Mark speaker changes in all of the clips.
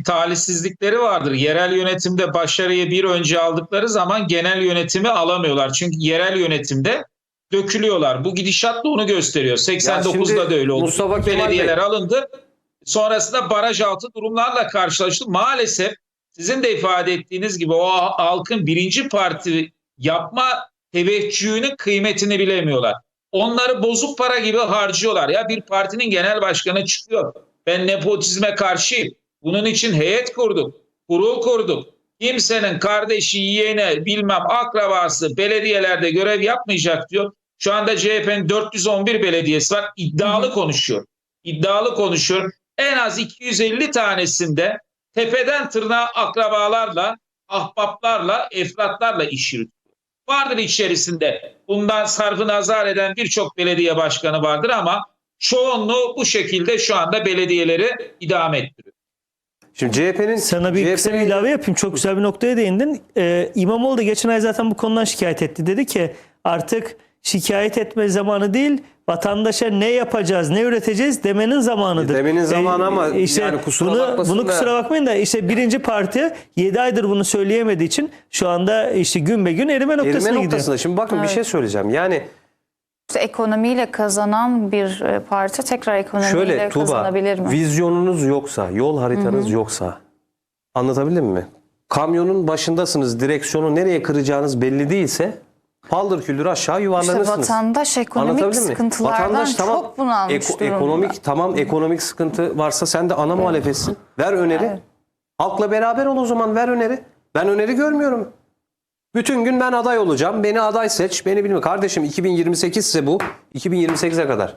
Speaker 1: talihsizlikleri vardır. Yerel yönetimde başarıyı bir önce aldıkları zaman genel yönetimi alamıyorlar. Çünkü yerel yönetimde dökülüyorlar. Bu gidişat da onu gösteriyor. 89'da da öyle oldu.
Speaker 2: Mustafa Kemal
Speaker 1: Belediyeler
Speaker 2: Bey
Speaker 1: alındı. Sonrasında baraj altı durumlarla karşılaştık. Maalesef sizin de ifade ettiğiniz gibi o halkın birinci parti yapma teveccühünün kıymetini bilemiyorlar. Onları bozuk para gibi harcıyorlar. Ya bir partinin genel başkanı çıkıyor. Ben nepotizme karşıyım. Bunun için heyet kurduk. Kurul kurduk. Kimsenin kardeşi, yeğeni, bilmem akrabası belediyelerde görev yapmayacak diyor. Şu anda CHP'nin 411 belediyesi var. İddialı konuşuyor. İddialı konuşuyor. En az 250 tanesinde tepeden tırnağa akrabalarla, ahbaplarla, efratlarla iş yürütüyor. Vardır içerisinde bundan sarfı nazar eden birçok belediye başkanı vardır ama çoğunluğu bu şekilde şu anda belediyeleri idame ettiriyor.
Speaker 2: Şimdi CHP'nin
Speaker 3: Sana bir kısa bir ilave yapayım. Çok güzel bir noktaya değindin. İmamoğlu da geçen ay zaten bu konudan şikayet etti. Dedi ki artık şikayet etme zamanı değil, vatandaşa ne yapacağız, ne üreteceğiz demenin zamanıdır.
Speaker 2: Demenin zamanı ama
Speaker 3: işte
Speaker 2: yani kusura bakmasın
Speaker 3: bunu
Speaker 2: da.
Speaker 3: kusura bakmayın da işte birinci parti 7 aydır bunu söyleyemediği için şu anda işte gün be gün erime noktasına
Speaker 2: Erime
Speaker 3: gidiyor.
Speaker 2: noktasında. Şimdi bakın bir şey söyleyeceğim. Yani
Speaker 4: Ekonomiyle kazanan bir parti tekrar ekonomiyle
Speaker 2: şöyle Tuğba,
Speaker 4: kazanabilir mi?
Speaker 2: vizyonunuz yoksa, yol haritanız yoksa, anlatabildim mi? Kamyonun başındasınız, direksiyonu nereye kıracağınız belli değilse paldır küldür aşağı yuvarlanırsınız.
Speaker 4: İşte vatandaş ekonomik
Speaker 2: Anlatabildim mi?
Speaker 4: sıkıntılardan
Speaker 2: Vatandaş tamam,
Speaker 4: çok bunalmış durumda.
Speaker 2: ekonomik sıkıntı varsa sen de ana muhalefetsin. Ver öneri.
Speaker 4: Evet.
Speaker 2: Halkla beraber ol o zaman, ver öneri. Ben öneri görmüyorum. Bütün gün ben aday olacağım. Beni aday seç. Beni bilme. Kardeşim 2028 ise bu. 2028'e kadar.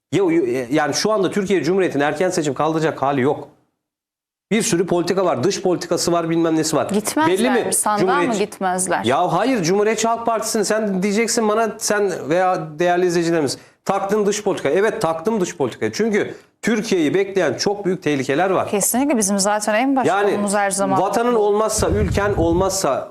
Speaker 2: Yani şu anda Türkiye Cumhuriyeti'nin erken seçim kaldıracak hali yok. Bir sürü politika var. Dış politikası var, bilmem nesi var.
Speaker 4: Gitmezler
Speaker 2: Belli mi?
Speaker 4: mi? Sandığa mı gitmezler?
Speaker 2: Ya hayır, Cumhuriyetçi Halk Partisi'ni sen diyeceksin bana, sen veya değerli izleyicilerimiz, taktın dış politika. Evet, taktım dış politikayı. Çünkü Türkiye'yi bekleyen çok büyük tehlikeler var.
Speaker 4: Kesinlikle bizim zaten en başkanımız her zaman.
Speaker 2: Vatanın olmazsa, ülken olmazsa,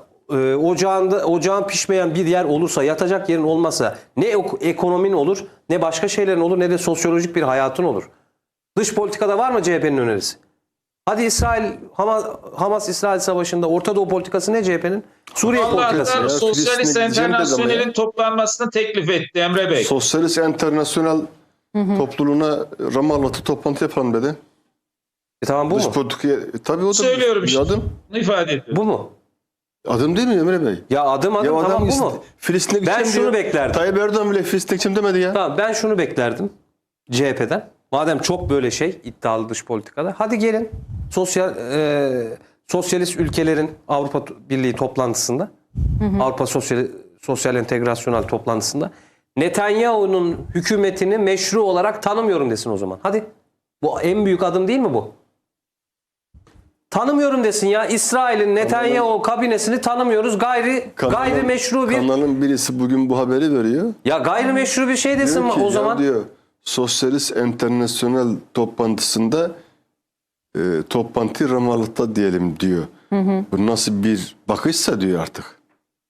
Speaker 2: ocağın pişmeyen bir yer olursa, yatacak yerin olmazsa ne ekonomin olur, ne başka şeylerin olur, ne de sosyolojik bir hayatın olur. Dış politikada var mı CHP'nin önerisi? Hadi Hamas-İsrail savaşında Orta Doğu politikası ne CHP'nin? Suriye politikası.
Speaker 1: Allah'tan Sosyalist
Speaker 5: Filistin'e gideceğim dedi ama
Speaker 1: Enternasyonel'in
Speaker 5: ya.
Speaker 1: toplanmasını teklif etti Emre Bey.
Speaker 5: Sosyalist Enternasyonel topluluğuna Ramallah'ta toplantı yapalım dedi.
Speaker 2: Tamam, bu
Speaker 5: Dış
Speaker 2: mu?
Speaker 5: politikaya tabii o da
Speaker 1: Söylüyorum
Speaker 5: bir
Speaker 1: işte.
Speaker 5: adım.
Speaker 1: Bunu ifade ediyorum.
Speaker 2: Bu mu?
Speaker 5: Adım değil mi Emre Bey?
Speaker 2: Ya adım
Speaker 5: Ya
Speaker 2: tamam, bu mu?
Speaker 5: Filistin'e
Speaker 2: Ben
Speaker 5: gideceğim
Speaker 2: şunu
Speaker 5: diyor.
Speaker 2: beklerdim.
Speaker 5: Tayyip Erdoğan bile Filistin'e gideceğim demedi ya.
Speaker 2: Tamam, ben şunu beklerdim CHP'den. Madem çok böyle iddialı dış politikada. Hadi gelin sosyalist ülkelerin Avrupa Birliği toplantısında, Avrupa Sosyal Entegrasyonel toplantısında Netanyahu'nun hükümetini meşru olarak tanımıyorum desin o zaman. Hadi. Bu en büyük adım değil mi bu? Tanımıyorum desin ya. İsrail'in Netanyahu kabinesini tanımıyoruz. Gayri meşru bir...
Speaker 5: Kanalın birisi bugün bu haberi veriyor.
Speaker 2: Ya gayri meşru bir şey desin
Speaker 5: Diyor ki,
Speaker 2: o zaman.
Speaker 5: diyor, Sosyalist Enternasyonel toplantısında toplantı Ramallah'ta diyelim diyor. Bu nasıl bir bakışsa diyor artık.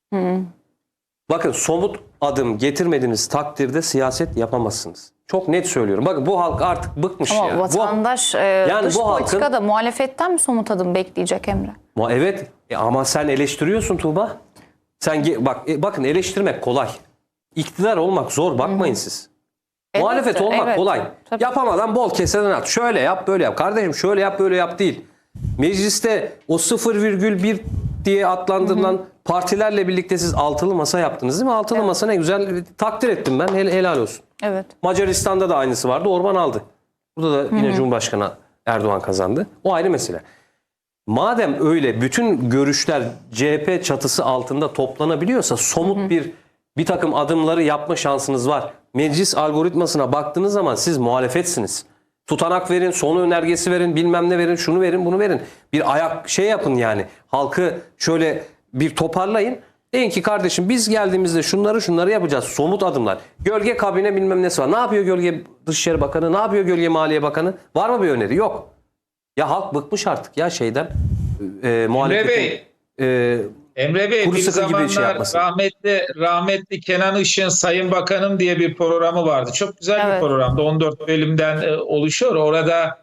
Speaker 2: Bakın, somut adım getirmediğiniz takdirde siyaset yapamazsınız. Çok net söylüyorum. Bakın, bu halk artık bıkmış
Speaker 4: Ama
Speaker 2: ya.
Speaker 4: vatandaş dış
Speaker 2: bu halkın-
Speaker 4: politikada muhalefetten mi somut adım bekleyecek Emre?
Speaker 2: Evet, ama sen eleştiriyorsun Tuğba. Bakın, eleştirmek kolay. İktidar olmak zor, bakmayın siz.
Speaker 4: Evet,
Speaker 2: Muhalefet olmak
Speaker 4: evet,
Speaker 2: kolay.
Speaker 4: tabii.
Speaker 2: Yapamadan bol keseden at. Şöyle yap, böyle yap. Kardeşim şöyle yap, böyle yap değil. Mecliste o 0,1 diye adlandırılan partilerle birlikte siz altılı masa yaptınız değil mi? Altılı masa ne güzel, takdir ettim ben. Helal olsun.
Speaker 4: Evet.
Speaker 2: Macaristan'da da aynısı vardı. Orban aldı. Burada da yine Cumhurbaşkanı Erdoğan kazandı. O ayrı mesele. Madem öyle bütün görüşler CHP çatısı altında toplanabiliyorsa somut bir takım adımları yapma şansınız var. Meclis algoritmasına baktığınız zaman siz muhalefetsiniz. Tutanak verin, sonu önergesi verin, bilmem ne verin, şunu verin, bunu verin. Bir ayak yapın yani. Halkı şöyle bir toparlayın. Deyin ki kardeşim biz geldiğimizde şunları yapacağız. Somut adımlar. Gölge kabine bilmem nesi var. Ne yapıyor Gölge Dışişleri Bakanı? Ne yapıyor Gölge Maliye Bakanı? Var mı bir öneri? Yok. Ya halk bıkmış artık ya şeyden. Muhalefetin.
Speaker 1: Emre Bey
Speaker 2: kuru
Speaker 1: bir
Speaker 2: sıkı gibi
Speaker 1: zamanlar
Speaker 2: şey yapmasın.
Speaker 1: rahmetli Kenan Işık'ın Sayın Bakanım diye bir programı vardı. Çok güzel bir
Speaker 4: Evet.
Speaker 1: programdı. 14 bölümden oluşuyor. Orada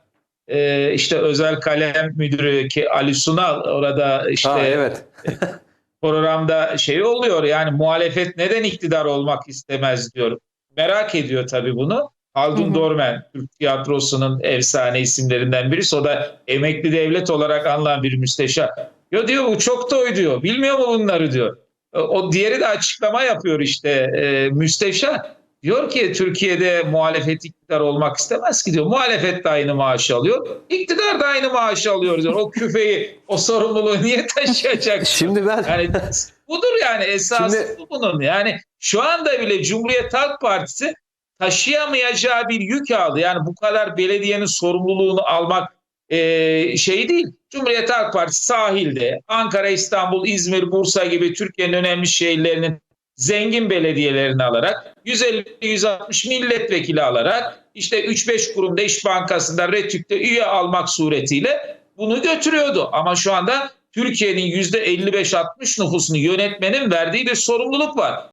Speaker 1: işte özel kalem müdürü ki Ali Sunal orada işte
Speaker 2: Evet.
Speaker 1: programda şey oluyor, yani muhalefet neden iktidar olmak istemez diyor. Merak ediyor tabii bunu. Haldun Dormen, Türk tiyatrosunun efsane isimlerinden birisi. O da emekli devlet olarak anılan bir müsteşar. Ya diyor bu çok toy diyor. Bilmiyor mu bunları diyor. O diğeri de açıklama yapıyor işte müsteşar. Diyor ki Türkiye'de muhalefet iktidar olmak istemez ki diyor. Muhalefet de aynı maaşı alıyor. İktidar da aynı maaşı alıyor diyor. O küfeyi, o sorumluluğu niye taşıyacak?
Speaker 2: Şimdi ben
Speaker 1: Yani budur yani esası
Speaker 2: Şimdi-
Speaker 1: bunun. Yani şu anda bile Cumhuriyet Halk Partisi taşıyamayacağı bir yük aldı. Yani bu kadar belediyenin sorumluluğunu almak şey değil. Cumhuriyet Halk Partisi sahilde Ankara, İstanbul, İzmir, Bursa gibi Türkiye'nin önemli şehirlerinin zengin belediyelerini alarak 150-160 milletvekili alarak işte 3-5 kurumda İş Bankası'nda RETÜK'te üye almak suretiyle bunu götürüyordu. Ama şu anda Türkiye'nin %55-60 nüfusunu yönetmenin verdiği bir sorumluluk var.